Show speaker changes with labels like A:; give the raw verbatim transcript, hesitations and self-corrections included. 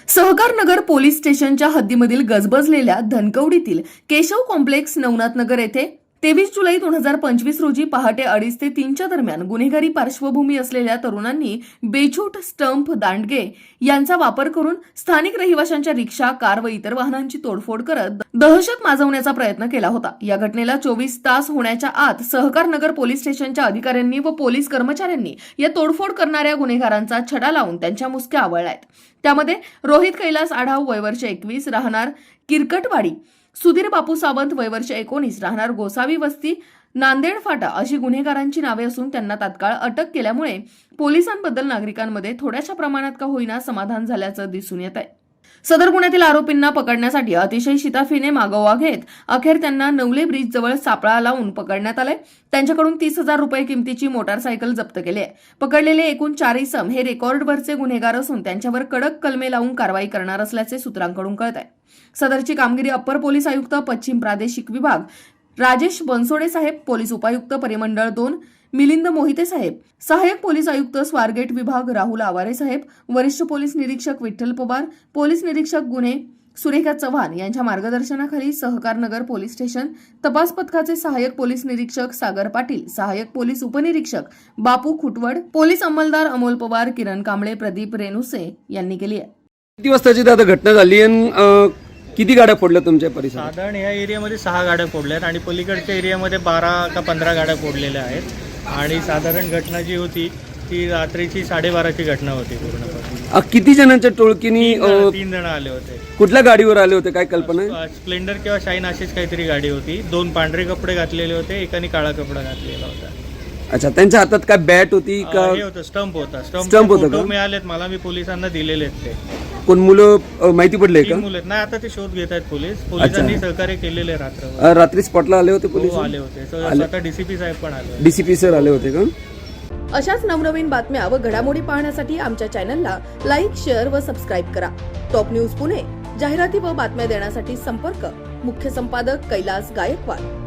A: सहकार नगर पोलीस स्टेशनच्या हद्दीमधील गजबजलेल्या धनकवडीतील केशव कॉम्प्लेक्स नवनाथ नगर येथे तेवीस जुलै दोन हजार पंचवीस रोजी पहाटे अडीच ते तीनच्या दरम्यान गुन्हेगारी पार्श्वभूमी असलेल्या तरुणांनी बेछूट स्टंप दांडगे यांचा वापर करून स्थानिक रहिवाशांच्या रिक्षा, कार व इतर वाहनांची तोडफोड करत दहशत माजवण्याचा प्रयत्न केला होता। या घटनेला चोवीस तास होण्याच्या आत सहकार नगर पोलीस स्टेशनच्या अधिकाऱ्यांनी व पोलीस कर्मचाऱ्यांनी या तोडफोड करणाऱ्या गुन्हेगारांचा छडा लावून त्यांच्या मुसक्या आवळल्यात। त्यामध्ये रोहित कैलास आढाव वय वर्ष एकवीस राहणार किरकटवाडी, सुधीर बापू सावंत वय वर्ष एकोणीस राहणार गोसावी वस्ती नांदेड फाटा अशी गुन्हेगारांची नावे असून त्यांना तात्काळ अटक केल्यामुळे पोलिसांबद्दल नागरिकांमध्ये थोड्याशा प्रमाणात का होईना समाधान झाल्याचं दिसून येत आहे। सदर गुन्ह्यातील आरोपींना पकडण्यासाठी अतिशय शिताफीने मागोवा घेत अखेर त्यांना नवले ब्रिज जवळ सापळा लावून पकडण्यात आले। त्यांच्याकडून तीस हजार रुपये किमतीची मोटारसायकल जप्त केली आहे। पकडलेले एकूण चार इसम हे रेकॉर्डवरचे गुन्हेगार असून त्यांच्यावर कडक कलमे लावून कारवाई करणार असल्याचे सूत्रांकडून कळत आहे। सदरची कामगिरी अप्पर पोलीस आयुक्त पश्चिम प्रादेशिक विभाग राजेश बनसोडे साहेब, पोलीस उपायुक्त परिमंडळ दोन मिलिंद मोहिते साहेब, सहाय्यक पोलीस आयुक्त स्वारगेट विभाग राहुल आवारे साहेब, वरिष्ठ पोलीस निरीक्षक विठ्ठल पवार, पोलीस निरीक्षक गुन्हे सुरेखा चव्हाण यांच्या मार्गदर्शनाखाली सहकार नगर पोलीस स्टेशन तपास पथकाचे सहाय्यक पोलीस निरीक्षक सागर पाटील, सहाय्यक पोलीस उपनिरीक्षक बापू खुटवड, पोलीस अंमलदार अमोल पवार, किरण कांबळे, प्रदीप रेणुसे यांनी केली आहे।
B: किती वाजताची दादा घटना झाली आणि किती गाड्या फोडल्या तुमच्या परिसरात?
C: साधारण या एरियामध्ये सहा गाड्या फोडल्या आहेत आणि पलीकडच्या एरियामध्ये बारा का पंधरा गाड्या फोडलेल्या आहेत आणि साधारण घटना जी होती ती रात्रीची साडेबाराची घटना होती पूर्णपणे।
B: अ, किती जणांच्या टोळकीनी
C: तीन
B: अ,
C: जण- तीन जण आले होते।
B: कुठल्या गाडीवर आले होते, काय कल्पना आहे?
C: स्प्लेंडर किंवा शाईन अशीच काहीतरी गाडी होती। दोन पांढरे कपडे घातलेले होते, एकाने काळा कपडा घातलेला होता।
B: अच्छा, त्यांच्या हातात काय बॅट होती का?
C: हे होतं स्टंप होता।
B: Stump
C: स्टंप
B: होतं
C: फोटो
B: का?
C: मिळालेत मला, मी पोलिसांना दिलेले आहेत ते।
B: कोण मुलं अ, माहिती पडले का?
C: तीन मुलं आहेत ना, आता ते शोध घेत आहेत पोलीस। पोलिसांनी सहकार्य केलेले रात्र
B: अ, रात्री स्पॉटला आले होते पोलीस?
C: आले होते। तर
B: आले.
C: स्वतः डीसीपी साहेब पण आले।
B: डीसीपी सर आले होते का?
A: अशाच नवनवीन बातम्या व घडामोडी पाहण्यासाठी आमच्या चॅनलला लाईक, शेअर व सबस्क्राईब करा। टॉप न्यूज पुणे जाहिराती व बातम्या देण्यासाठी संपर्क मुख्य संपादक कैलास गायकवाड।